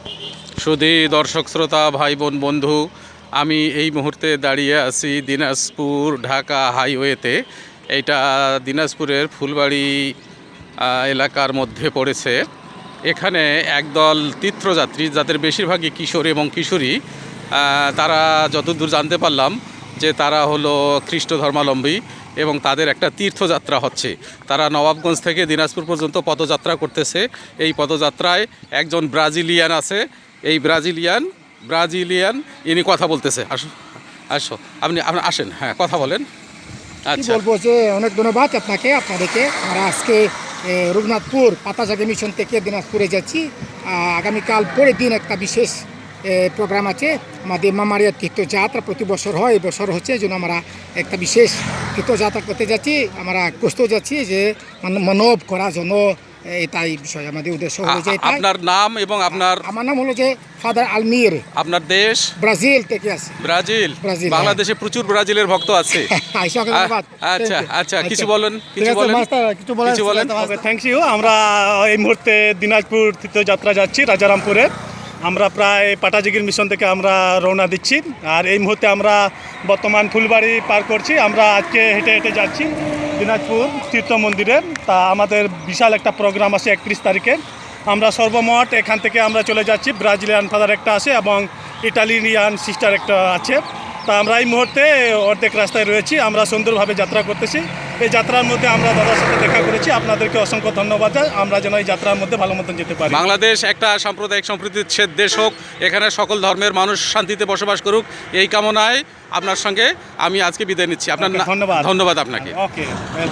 সুধী দর্শক শ্রোতা ভাই বোন বন্ধু, আমি এই মুহূর্তে দাঁড়িয়ে আছি দিনাজপুর ঢাকা হাইওয়েতে। এইটা দিনাজপুরের ফুলবাড়ি এলাকার মধ্যে পড়েছে। এখানে একদল তীর্থযাত্রী, যাদের বেশিরভাগই কিশোর এবং কিশোরী, তারা যতদূর জানতে পারলাম যে তারা হলো খ্রিস্ট ধর্মাবলম্বী এবং তাদের একটা তীর্থযাত্রা হচ্ছে। তারা নবাবগঞ্জ থেকে দিনাজপুর পর্যন্ত পদযাত্রা করতেছে। এই পদযাত্রায় একজন ব্রাজিলিয়ান আছে। এই ব্রাজিলিয়ান ইনি কথা বলতেছে। আসো আসো, আপনি আসেন, হ্যাঁ কথা বলেন। কি আচ্ছা, বলবো যে অনেক ধন্যবাদ আপনাদেরকে। আমরা আজকে রঘুনাথপুর পাতাজাগি মিশন থেকে দিনাজপুরে যাচ্ছি। আগামীকাল পরের দিন একটা বিশেষ প্রোগ্রাম আছে। আমাদের মামারিয়া তীর্থযাত্রা প্রতি বছর হয়, এই বছর হচ্ছে, এই জন্য আমরা একটা বিশেষ তীর্থযাত্রা করতে যাচ্ছি। আমরা প্রস্তুত যাচ্ছি যে মানব করার জন্য। এটাই বিষয়, আমাদের উদ্দেশ্য হলো যে এটাই। আপনার নাম এবং আমার নাম হলো যে ফাদার আলমির। আপনার দেশ? ব্রাজিল থেকে আছে। ব্রাজিল। ব্রাজিল, বাংলাদেশে প্রচুর ব্রাজিলের ভক্ত আছে। আচ্ছা আচ্ছা, কিছু বলেন, কিছু বলেন। Thank you. আমরা এই মুহূর্তে দিনাজপুর তীর্থযাত্রা যাচ্ছি রাজারামপুরে। আমরা প্রায় পাটাজিগির মিশন থেকে আমরা রওনা দিচ্ছি। আর এই মুহূর্তে আমরা বর্তমান ফুলবাড়ি পার করছি। আমরা আজকে হেঁটে হেঁটে যাচ্ছি দিনাজপুর তীর্থ মন্দিরে। তা আমাদের বিশাল একটা প্রোগ্রাম আছে 31 তারিখে। আমরা সর্বমোট এখান থেকে আমরা চলে যাচ্ছি, ব্রাজিলিয়ান ফাদার একটা আছে এবং ইটালিয়ান সিস্টার একটা আছে। তা আমরা এই মুহূর্তে অর্ধেক রাস্তায় রয়েছি। আমরা সুন্দরভাবে যাত্রা করতেছি। এই যাত্রার মধ্যে আমরা দাদার সাথে দেখা করেছি। আপনাদেরকে অসংখ্য ধন্যবাদ। আমরা যেন এই যাত্রার মধ্যে ভালো মতন যেতে পারি। বাংলাদেশ একটা সাম্প্রদায়িক সম্প্রীতির দেশ হোক, এখানে সকল ধর্মের মানুষ শান্তিতে বসবাস করুক, এই কামনায় আপনার সঙ্গে আমি আজকে বিদায় নিচ্ছি। আপনার ধন্যবাদ ধন্যবাদ আপনাকে। ওকে।